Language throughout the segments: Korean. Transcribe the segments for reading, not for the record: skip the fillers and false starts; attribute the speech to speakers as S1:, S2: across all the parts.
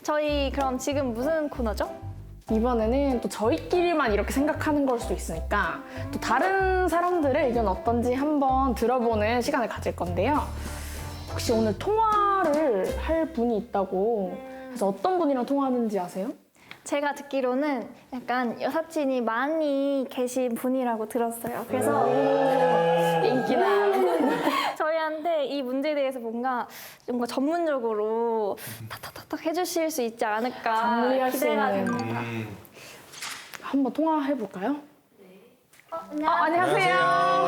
S1: 저희 그럼 지금 무슨 코너죠?
S2: 이번에는 또 저희끼리만 이렇게 생각하는 걸 수도 있으니까 또 다른 사람들의 의견 어떤지 한번 들어보는 시간을 가질 건데요. 혹시 오늘 통화를 할 분이 있다고 해서 어떤 분이랑 통화하는지 아세요?
S1: 제가 듣기로는 약간 여사친이 많이 계신 분이라고 들었어요. 그래서
S2: 인기나
S1: 저희한테 이 문제에 대해서 뭔가 전문적으로 탁탁탁탁 해주실 수 있지 않을까
S2: 정리할 수
S1: 기대가
S2: 있는.
S1: 됩니다.
S2: 한번 통화해볼까요?
S1: 안녕하세요.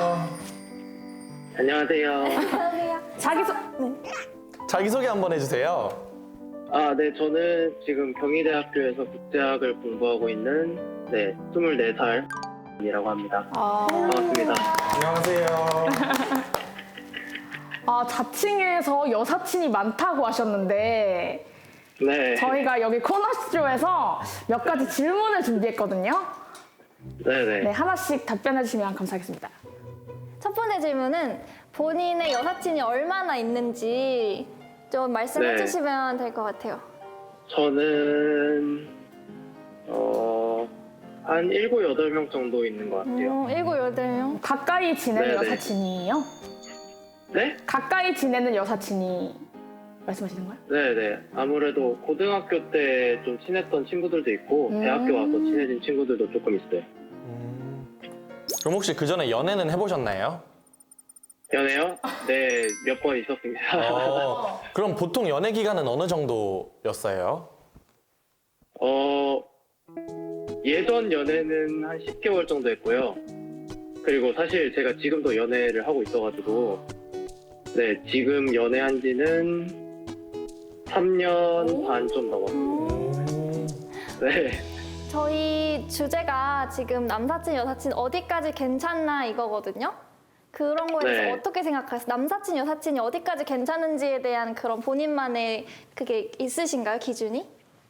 S2: 안녕하세요.
S3: 안녕하세요.
S2: 자기소개
S4: 한번 해주세요.
S5: 네, 저는 지금 경희대학교에서 국제학을 공부하고 있는 24살이라고 합니다. 반갑습니다.
S4: 안녕하세요.
S2: 자칭해서 여사친이 많다고 하셨는데
S5: 네.
S2: 저희가 여기 코너쇼에서 몇 가지 질문을 준비했거든요.
S5: 네네.
S2: 네, 하나씩 답변해 주시면 감사하겠습니다.
S1: 첫 번째 질문은 본인의 여사친이 얼마나 있는지 좀 말씀해
S5: 네.
S1: 주시면 될 것 같아요.
S5: 저는, 한 7, 8명 정도 있는 것 같아요.
S1: 7, 8명?
S2: 가까이 지내는
S5: 네네.
S2: 여사친이에요?
S5: 네?
S2: 가까이 지내는 여사친이 말씀하시는 거예요?
S5: 네네. 아무래도 고등학교 때 좀 친했던 친구들도 있고, 대학교 와서 친해진 친구들도 조금 있어요.
S4: 그럼 혹시 그 전에 연애는 해보셨나요?
S5: 연애요? 네, 몇 번 있었습니다.
S4: 그럼 보통 연애 기간은 어느 정도였어요?
S5: 예전 연애는 한 10개월 정도 했고요. 그리고 사실 제가 지금도 연애를 하고 있어가지고, 네, 지금 연애한 지는 3년 반 좀 넘었어요. 네.
S1: 저희 주제가 지금 남사친, 여사친 어디까지 괜찮나 이거거든요. 그런 거에 대해서
S5: 네.
S1: 어떻게 생각하세요? 남사친, 여사친이 어디까지 괜찮은지에 대한 그런 본인만의 그게 있으신가요, 기준이?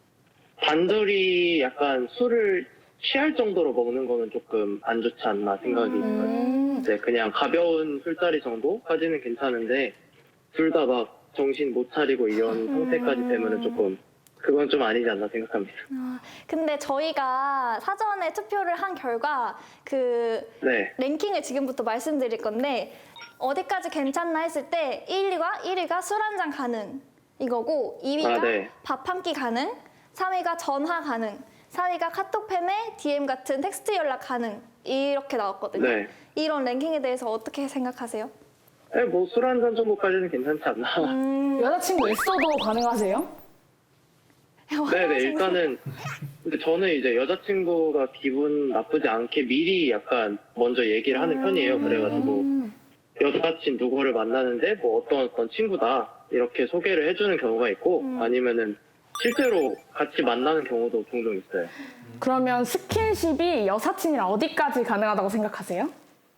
S5: 단둘이 약간 술을 취할 정도로 먹는 거는 조금 안 좋지 않나 생각이 들어요. 네, 그냥 가벼운 술자리 정도까지는 괜찮은데 둘 다 막 정신 못 차리고 이런 상태까지 되면은 조금 그건 좀 아니지 않나 생각합니다.
S1: 근데 저희가 사전에 투표를 한 결과 그
S5: 네.
S1: 랭킹을 지금부터 말씀드릴 건데 어디까지 괜찮나 했을 때 1위가 술 한 잔 가능 이거고 2위가
S5: 네.
S1: 밥 한 끼 가능 3위가 전화 가능 4위가 카톡 패매 DM 같은 텍스트 연락 가능 이렇게 나왔거든요.
S5: 네.
S1: 이런 랭킹에 대해서 어떻게 생각하세요?
S5: 네, 뭐 술 한 잔 정도까지는 괜찮지 않나.
S2: 여자친구 있어도 가능하세요?
S5: 네네, 일단은 근데 저는 이제 여자친구가 기분 나쁘지 않게 미리 약간 먼저 얘기를 하는 편이에요. 그래가지고 여자친 누구를 만나는데 뭐 어떤 친구다 이렇게 소개를 해주는 경우가 있고 아니면은 실제로 같이 만나는 경우도 종종 있어요.
S2: 그러면 스킨십이 여사친이랑 어디까지 가능하다고 생각하세요?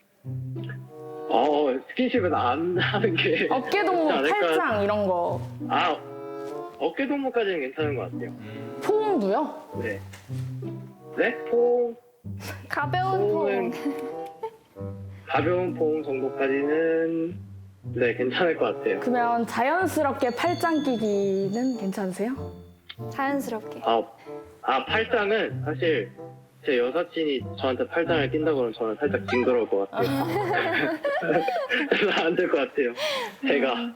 S5: 스킨십은 안 하는 게
S2: 어깨 동무,
S5: 좋지 않을까?
S2: 팔짱 이런 거.
S5: 어깨 동무까지는 괜찮은 것 같아요.
S2: 포옹도요?
S5: 네. 네? 포옹,
S1: 가벼운
S5: 포옹은
S1: 포옹.
S5: 가벼운 포옹 정도까지는 네, 괜찮을 것 같아요.
S2: 그러면 자연스럽게 팔짱 끼기는 괜찮으세요?
S1: 자연스럽게.
S5: 팔짱은 사실 제 여사친이 저한테 팔짱을 낀다고 그러면 저는 살짝 징그러울 것 같아요. 그래서 안 될 것 같아요. 제가.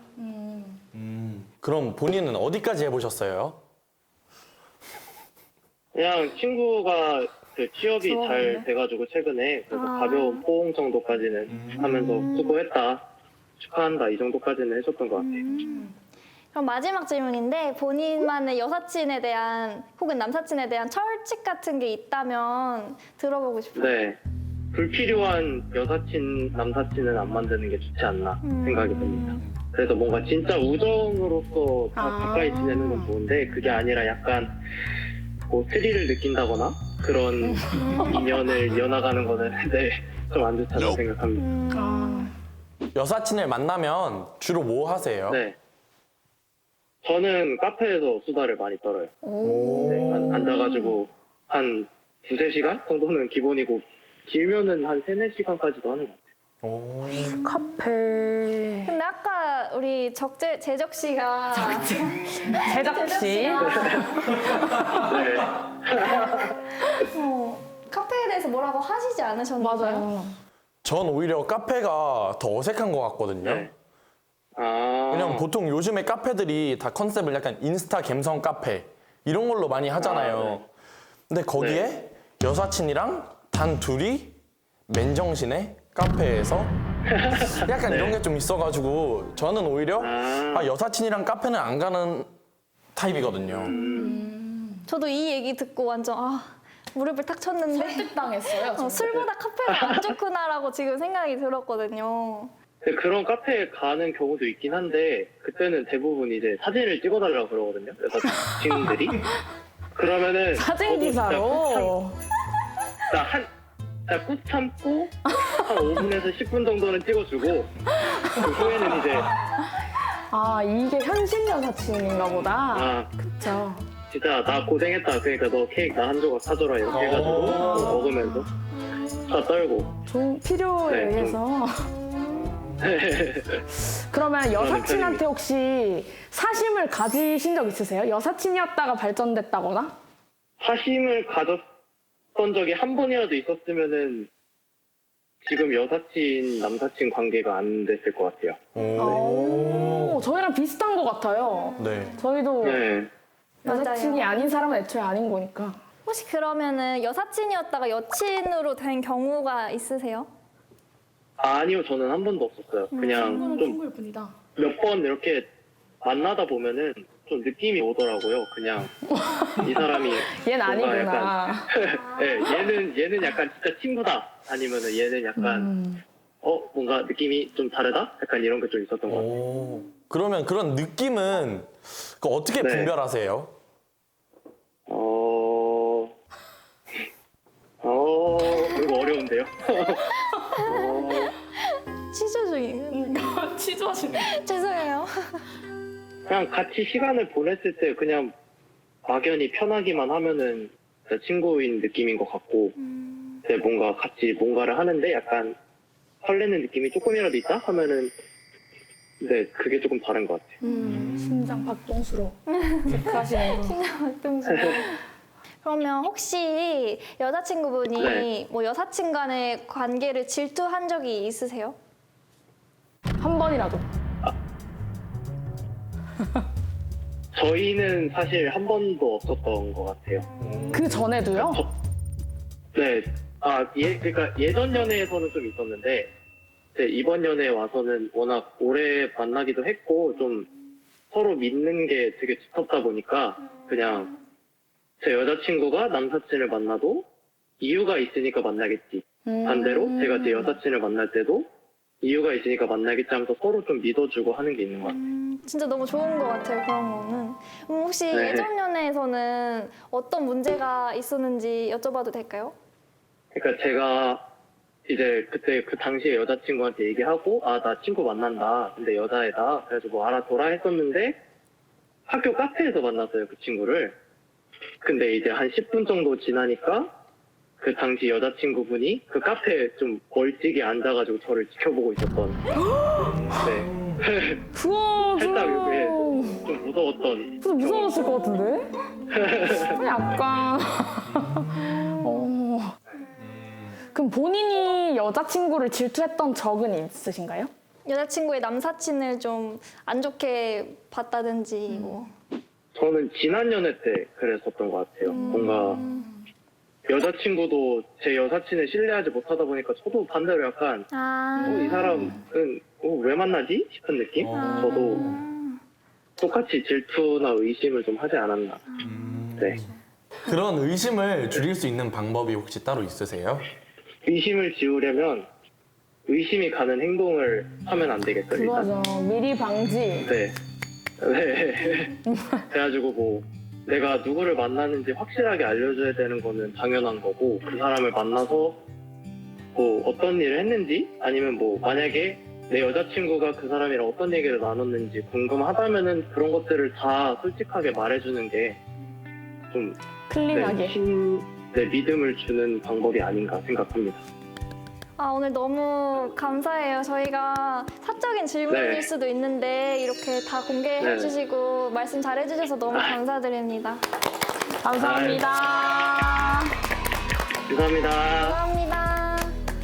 S4: 그럼 본인은 어디까지 해보셨어요?
S5: 그냥 친구가 그 취업이 잘 돼가지고 최근에 그래서 가벼운 포옹 정도까지는 하면서 수고했다, 축하한다 이 정도까지는 해줬던 것 같아요.
S1: 그럼 마지막 질문인데 본인만의 여사친에 대한 혹은 남사친에 대한 철칙 같은 게 있다면 들어보고 싶어요.
S5: 네. 불필요한 여사친, 남사친은 안 만드는 게 좋지 않나 생각이 듭니다. 그래서 뭔가 진짜 우정으로서 가까이 지내는 건 좋은데 그게 아니라 약간 뭐 스릴을 느낀다거나 그런 인연을 이어나가는 거는 좀 안 좋다고 생각합니다.
S4: 여사친을 만나면 주로 뭐 하세요?
S5: 네. 저는 카페에서 수다를 많이 떨어요. 네, 앉아가지고 한 2-3시간 정도는 기본이고 길면은 한 3-4시간까지도 하는 것 같아요.
S4: 오.
S2: 카페.
S1: 근데 아까 우리 재적 씨가
S2: 제작씨.
S5: 네.
S1: 카페에 대해서 뭐라고 하시지 않으셨나요?
S2: 맞아요.
S4: 전 오히려 카페가 더 어색한 것 같거든요.
S5: 네. 아.
S4: 왜냐면 보통 요즘에 카페들이 다 컨셉을 약간 인스타 감성 카페 이런 걸로 많이 하잖아요.
S5: 아, 네.
S4: 근데 거기에 여사친이랑 단 둘이 맨정신에 카페에서 약간 이런 게 좀 있어가지고 저는 오히려 여사친이랑 카페는 안 가는 타입이거든요.
S1: 저도 이 얘기 듣고 완전 무릎을 탁 쳤는데
S2: 설득당했어요.
S1: 술보다 카페가 안 좋구나라고 지금 생각이 들었거든요.
S5: 근데 그런 카페에 가는 경우도 있긴 한데 그때는 대부분 이제 사진을 찍어달라고 그러거든요. 여자친구들이. 그러면은
S2: 사진 기사로.
S5: 꾹 참고 한 5분에서 10분 정도는 찍어주고 그 후에는 이제
S2: 이게 현실 여사친인가 보다. 그쵸.
S5: 진짜 나 고생했다. 그러니까 너 케이크 나 한 조각 사줘라 이렇게 해가지고 먹으면서 다 떨고.
S2: 좀 필요에
S5: 네,
S2: 의해서. 그러면 여사친한테 혹시 사심을 가지신 적 있으세요? 여사친이었다가 발전됐다거나?
S5: 사심을 가졌던 적이 한 번이라도 있었으면은 지금 여사친 남사친 관계가 안 됐을 것 같아요.
S2: 저희랑 비슷한 것 같아요.
S4: 네.
S2: 저희도
S5: 네.
S2: 여사친이 아닌 사람은 애초에 아닌 거니까.
S1: 혹시 그러면은 여사친이었다가 여친으로 된 경우가 있으세요?
S5: 아니요, 저는 한 번도 없었어요. 그냥
S2: 친구는
S5: 좀
S2: 친구일 뿐이다.
S5: 몇 번 이렇게 만나다 보면은 좀 느낌이 오더라고요. 그냥 이 사람이
S2: 얘는
S5: 뭔가
S2: 아니구나.
S5: 네, 얘는 약간 진짜 친구다. 아니면은 얘는 약간 뭔가 느낌이 좀 다르다. 약간 이런 게 좀 있었던 것 같아요.
S4: 그러면 그런 느낌은 어떻게
S5: 네.
S4: 분별하세요?
S5: 이거 어려운데요.
S1: 취조 중이에요.
S2: 취조하시네.
S1: 죄송해요.
S5: 그냥 같이 시간을 보냈을 때 그냥 막연히 편하기만 하면은 진짜 친구인 느낌인 것 같고, 근데 뭔가 같이 뭔가를 하는데 약간 설레는 느낌이 조금이라도 있다 하면은, 네, 그게 조금 다른 것 같아요.
S2: 심장 박동수로 체크하시는 거.
S1: 그러면 혹시 여자친구분이
S5: 네.
S1: 뭐 여사친 간의 관계를 질투한 적이 있으세요?
S2: 한 번이라도.
S5: 저희는 사실 한 번도 없었던 것 같아요.
S2: 그 전에도요?
S5: 네. 그러니까 예전 연애에서는 좀 있었는데, 이제 이번 연애에 와서는 워낙 오래 만나기도 했고, 좀 서로 믿는 게 되게 두텁다 보니까, 그냥 제 여자친구가 남사친을 만나도 이유가 있으니까 만나겠지. 반대로 제가 제 여사친을 만날 때도 이유가 있으니까 만나겠지 하면서 서로 좀 믿어주고 하는 게 있는 것 같아요.
S1: 진짜 너무 좋은 것 같아요, 그런 거는. 혹시
S5: 네.
S1: 예전 연애에서는 어떤 문제가 있었는지 여쭤봐도 될까요?
S5: 그러니까 제가 이제 그때 그 당시에 여자친구한테 얘기하고 나 친구 만난다. 근데 여자애다. 그래가지고 뭐 알아둬라 했었는데 학교 카페에서 만났어요, 그 친구를. 근데 이제 한 10분 정도 지나니까 그 당시 여자친구분이 그 카페에 좀 멀찍이 앉아가지고 저를 지켜보고 있었던. 네.
S2: 그거
S5: 살짝 이게
S2: 좀
S5: 좀 무서웠던.
S2: 무서웠을 것 같은데? 약간. 그럼 본인이 여자친구를 질투했던 적은 있으신가요?
S1: 여자친구의 남사친을 좀 안 좋게 봤다든지 뭐.
S5: 저는 지난 연애 때 그랬었던 것 같아요. 뭔가 여자친구도 제 여사친을 신뢰하지 못하다 보니까 저도 반대로 약간 이 사람은 왜 만나지? 싶은 느낌? 저도 똑같이 질투나 의심을 좀 하지 않았나. 네.
S4: 그런 의심을 줄일 수 있는 방법이 혹시 따로 있으세요?
S5: 의심을 지우려면 의심이 가는 행동을 하면 안 되겠죠, 일단.
S2: 그거죠. 미리 방지.
S5: 네. 네. 그래가지고 뭐 내가 누구를 만나는지 확실하게 알려줘야 되는 거는 당연한 거고, 그 사람을 만나서 뭐 어떤 일을 했는지, 아니면 뭐 만약에 내 여자친구가 그 사람이랑 어떤 얘기를 나눴는지 궁금하다면은 그런 것들을 다 솔직하게 말해주는 게 좀
S2: 클린하게.
S5: 믿음을 주는 방법이 아닌가 생각합니다.
S1: 오늘 너무 감사해요. 저희가 사적인 질문일
S5: 네.
S1: 수도 있는데 이렇게 다 공개해
S5: 네.
S1: 주시고 말씀 잘해 주셔서 너무 감사드립니다.
S2: 감사합니다.
S5: 감사합니다.
S1: 감사합니다.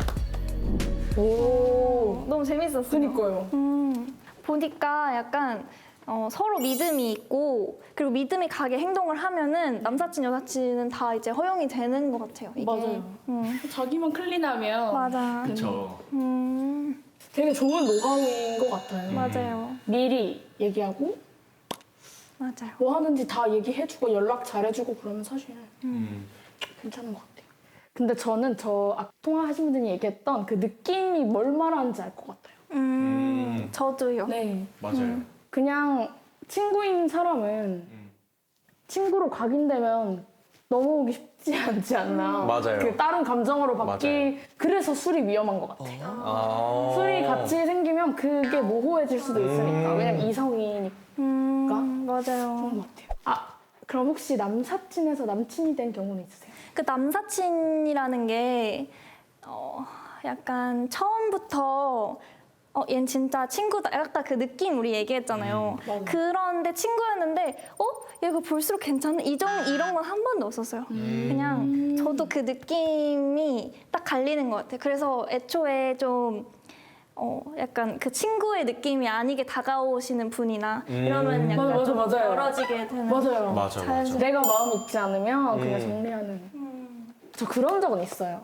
S2: 오,
S1: 너무 재밌었어요.
S2: 그니까요.
S1: 보니까 약간 서로 믿음이 있고 그리고 믿음이 가게 행동을 하면은 남사친 여사친은 다 이제 허용이 되는 것 같아요. 이게.
S2: 맞아요. 자기만 클린하면
S1: 맞아.
S3: 그쵸.
S2: 되게 좋은 노하우인 것 같아요.
S1: 맞아요.
S2: 미리 얘기하고
S1: 맞아요.
S2: 뭐 하는지 다 얘기해주고 연락 잘해주고 그러면 사실 괜찮은 것 같아요. 근데 저는 통화하신 분들이 얘기했던 그 느낌이 뭘 말하는지 알 것 같아요.
S1: 저도요.
S2: 네.
S3: 맞아요.
S2: 그냥 친구인 사람은 친구로 각인되면 넘어오기 쉽지 않지 않나.
S4: 맞아요.
S2: 그 다른 감정으로 바뀌.
S4: 맞아요.
S2: 그래서 술이 위험한 것 같아요.
S4: 아.
S2: 술이 같이 생기면 그게 모호해질 수도 있으니까. 왜냐면 이성이니까
S1: 맞아요.
S2: 그런 것 같아요. 그럼 혹시 남사친에서 남친이 된 경우는 있으세요?
S1: 그 남사친이라는 게 약간 처음부터 얜 진짜 친구다. 약간 그 느낌 우리 얘기했잖아요.
S2: 맞아요.
S1: 그런데 친구였는데 얘가 볼수록 괜찮네. 이런 건 한 번도 없었어요. 그냥 저도 그 느낌이 딱 갈리는 것 같아요. 그래서 애초에 좀 약간 그 친구의 느낌이 아니게 다가오시는 분이나 이러면 약간
S2: 맞아,
S1: 좀
S2: 맞아요.
S1: 멀어지게 되는.
S2: 맞아요.
S4: 맞아,
S1: 자연스럽게.
S4: 맞아.
S2: 내가 마음 있지 않으면 그냥 정리하는. 저 그런 적은 있어요.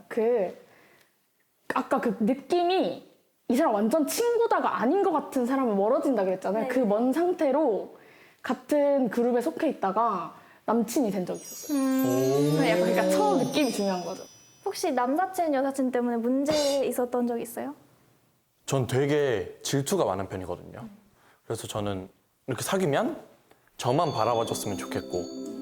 S2: 아까 그 느낌이 이 사람 완전 친구다가 아닌 것 같은 사람은 멀어진다 그랬잖아요.
S1: 네.
S2: 그 먼 상태로 같은 그룹에 속해 있다가 남친이 된 적이 있었어요. 약간 그러니까 처음 느낌이 중요한 거죠.
S1: 혹시 남사친, 여사친 때문에 문제 있었던 적 있어요?
S4: 전 되게 질투가 많은 편이거든요. 그래서 저는 이렇게 사귀면 저만 바라봐줬으면 좋겠고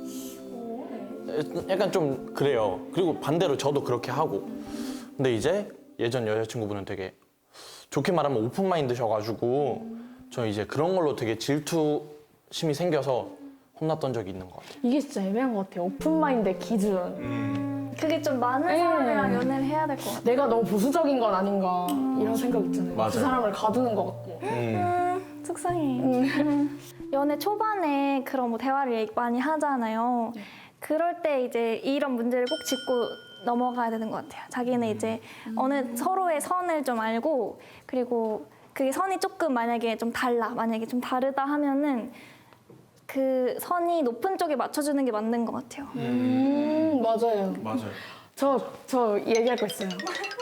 S4: 약간 좀 그래요. 그리고 반대로 저도 그렇게 하고 근데 이제 예전 여자친구분은 되게 좋게 말하면 오픈마인드셔가지고 저 이제 그런 걸로 되게 질투심이 생겨서 혼났던 적이 있는 것 같아요.
S2: 이게 진짜 애매한 것 같아요. 오픈마인드의 기준.
S1: 그게 좀 많은
S2: 네.
S1: 사람이랑 연애를 해야 될 것 같아요.
S2: 내가 너무 보수적인 건 아닌가 이런 생각 있잖아요.
S4: 맞아요.
S2: 그 사람을 가두는 것 같고.
S1: 속상해. 연애 초반에 그런 뭐 대화를 많이 하잖아요. 그럴 때 이제 이런 문제를 꼭 짚고 넘어가야 되는 것 같아요. 자기는 이제 어느 서로의 선을 좀 알고 그리고 그게 선이 조금 만약에 좀 다르다 하면은 그 선이 높은 쪽에 맞춰주는 게 맞는 것 같아요.
S2: 맞아요.
S3: 맞아요.
S2: 저 얘기할 거 있어요.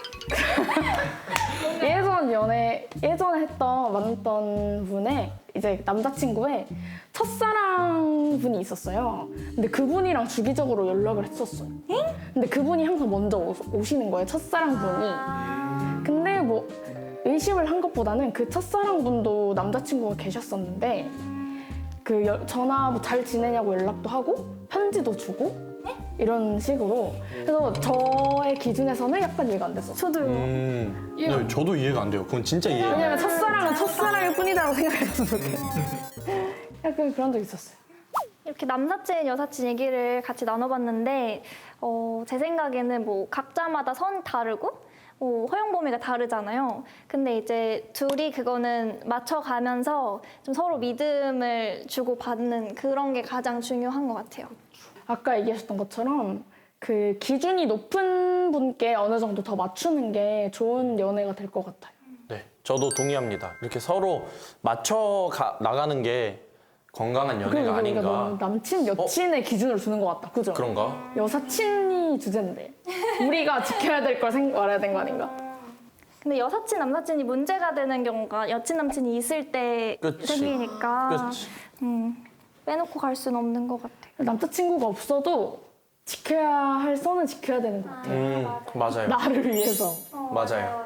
S2: 예전에 만났던 분의 이제 남자친구의 첫사랑 분이 있었어요. 근데 그분이랑 주기적으로 연락을 했었어요. 근데 그분이 항상 먼저 오시는 거예요. 첫사랑 분이. 근데 뭐 의심을 한 것보다는 그 첫사랑 분도 남자친구가 계셨었는데 전화 뭐 잘 지내냐고 연락도 하고 편지도 주고 이런 식으로. 그래서 저의 기준에서는 약간 이해가 안 됐었어요.
S1: 저도요.
S4: 네, 저도 이해가 안 돼요. 그건 진짜 이해가 안 돼요.
S2: 왜냐면 첫사랑은 첫사랑일 뿐이다라고 생각했어요. 약간 그런 적 있었어요.
S1: 이렇게 남사친, 여사친 얘기를 같이 나눠봤는데 제 생각에는 뭐 각자마다 선이 다르고 허용 범위가 다르잖아요. 근데 이제 둘이 그거는 맞춰가면서 좀 서로 믿음을 주고받는 그런 게 가장 중요한 것 같아요.
S2: 아까 얘기하셨던 것처럼 그 기준이 높은 분께 어느 정도 더 맞추는 게 좋은 연애가 될 것 같아요.
S4: 네, 저도 동의합니다. 이렇게 서로 맞춰 나가는 게 건강한 연애가
S2: 그리고 우리가
S4: 아닌가.
S2: 너무 남친, 여친의 기준을 두는 것 같다. 그죠?
S4: 그런가?
S2: 여사친이 주제인데 우리가 지켜야 될 걸 말해야 되는 거 아닌가?
S1: 근데 여사친, 남사친이 문제가 되는 경우가 여친, 남친이 있을 때
S4: 그치.
S1: 생기니까
S4: 그치.
S1: 빼놓고 갈 수는 없는 것 같아요.
S2: 남자친구가 없어도 지켜야 할 선은 지켜야 되는 것 같아요.
S4: 맞아요.
S2: 나를 위해서.
S4: 맞아요.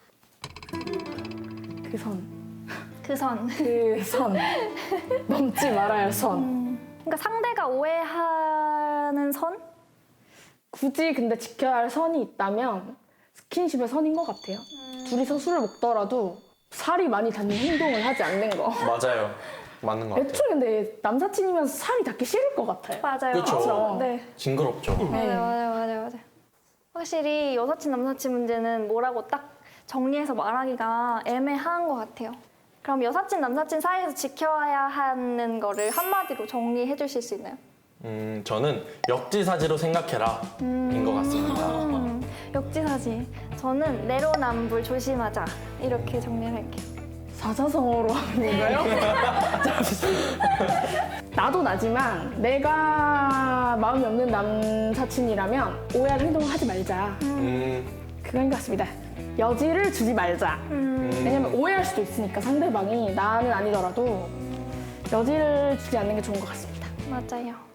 S2: 그 선.
S1: 그 선.
S2: 그 선. 넘지 말아야 할 선.
S1: 그러니까 상대가 오해하는 선?
S2: 굳이 근데 지켜야 할 선이 있다면 스킨십의 선인 것 같아요. 둘이서 술을 먹더라도 살이 많이 닿는 행동을 하지 않는 거.
S4: 맞아요. 맞는 것 같아요.
S2: 애초에 근데 남사친이면서 살이 닿기 싫을 것 같아요.
S1: 맞아요.
S4: 그쵸.
S2: 그쵸.
S1: 네.
S4: 징그럽죠.
S2: 네.
S1: 맞아요. 확실히 여사친, 남사친 문제는 뭐라고 딱 정리해서 말하기가 애매한 것 같아요. 그럼 여사친, 남사친 사이에서 지켜야 하는 거를 한마디로 정리해 주실 수 있나요?
S4: 저는 역지사지로 생각해라 인 것 같습니다.
S1: 역지사지. 저는 내로남불 조심하자. 이렇게 정리를 할게요.
S2: 사자성어로 하는 건가요? 나도 나지만 내가 마음이 없는 남사친이라면 오해할 행동을 하지 말자. 그건 것 같습니다. 여지를 주지 말자. 왜냐면 오해할 수도 있으니까 상대방이 나는 아니더라도 여지를 주지 않는 게 좋은 것 같습니다.
S1: 맞아요.